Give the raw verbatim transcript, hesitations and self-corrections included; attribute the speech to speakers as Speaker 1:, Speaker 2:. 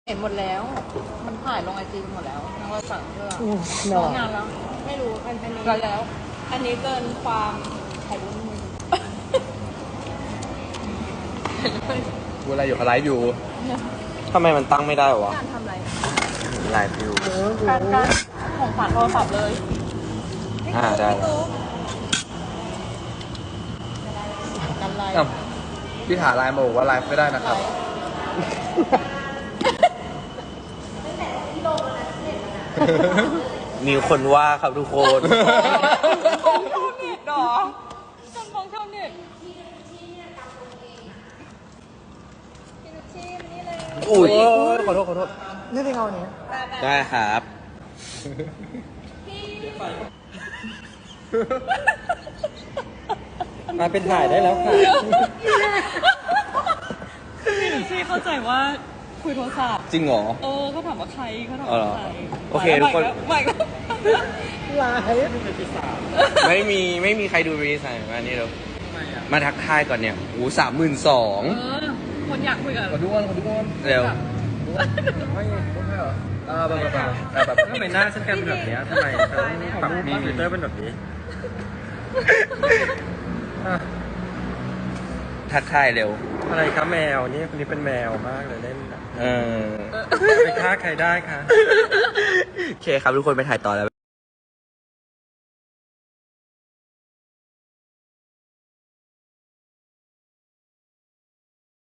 Speaker 1: เห็นหมดแล้ว มันถ่ายลงไอจีหมดแล้วทั้งเราสั่งเพื่อ
Speaker 2: หน
Speaker 1: ร
Speaker 2: อ
Speaker 1: อนานแล้ว
Speaker 3: ไม่รู้อันอันนี้
Speaker 1: รอแล้ว
Speaker 3: อันนี้เกินความถ่ายรูปมือ
Speaker 4: เวลาอยู่เขาไลฟ์อยู่
Speaker 2: ทำไมมันตั้งไม่ได้วะ
Speaker 3: การทำอะไร
Speaker 2: ไลฟ์อยู่
Speaker 1: การการของขวัญโทรศัพท์เลย
Speaker 2: อ่าได้แล้ว
Speaker 1: กันไลน์
Speaker 4: อ้าวพี่ถาไลน์มาบอกว่าไลฟ์ไม่ได้นะครับ
Speaker 2: มีคนว่าครับทุกคน
Speaker 1: ชาวเน็ตหรอจนฟ้องชาวเน็ต
Speaker 3: พี่นุชชีมนี่เลย
Speaker 2: อุ้ย
Speaker 4: ขอโทษขอโทษ
Speaker 1: นี่เป็นเงาเนี้ย
Speaker 2: ได้ครับ มาเป็นถ่ายได้แล้วค่ะ
Speaker 1: พี่นุชชี่เข้าใจว่าคุยโทรศัพท์
Speaker 2: จริงเหรอ
Speaker 1: เออเขาถามว่าใครเขาถาม
Speaker 2: อ๋อเหร
Speaker 1: ว่า
Speaker 2: อ
Speaker 1: ใคร
Speaker 2: โอเคทุกคน
Speaker 1: ใหม่แล้ว
Speaker 4: ไลฟ์
Speaker 2: ไม่มีไม่มีใครดูรีสายมานี่เร็วมาทักทายก่อนเนี่ยโอ้สามหมื่นสอง
Speaker 1: เออคนอยากคุยกับ
Speaker 4: ขอดูก่อนขอดูก่อน
Speaker 2: เร็ว
Speaker 4: ไม่ไม่ใช่เหรออ่าแบบแบบแบบแบบ
Speaker 5: ทำไมหน้าฉันกลายเป็นแบบเนี้ยทำไมฉันปรับมีฟิลเตอร์เป็นแบบนี้ อ่ะ
Speaker 2: ทักทายเร็ว
Speaker 5: อะไรคะแมวนี่คนนี้เป็นแมวมากเลยเล่นน่ะ
Speaker 2: เออ
Speaker 5: ไปฆ่าใครได้คะ
Speaker 2: โอเคครับทุกคนไปถ่ายต่อแล้ว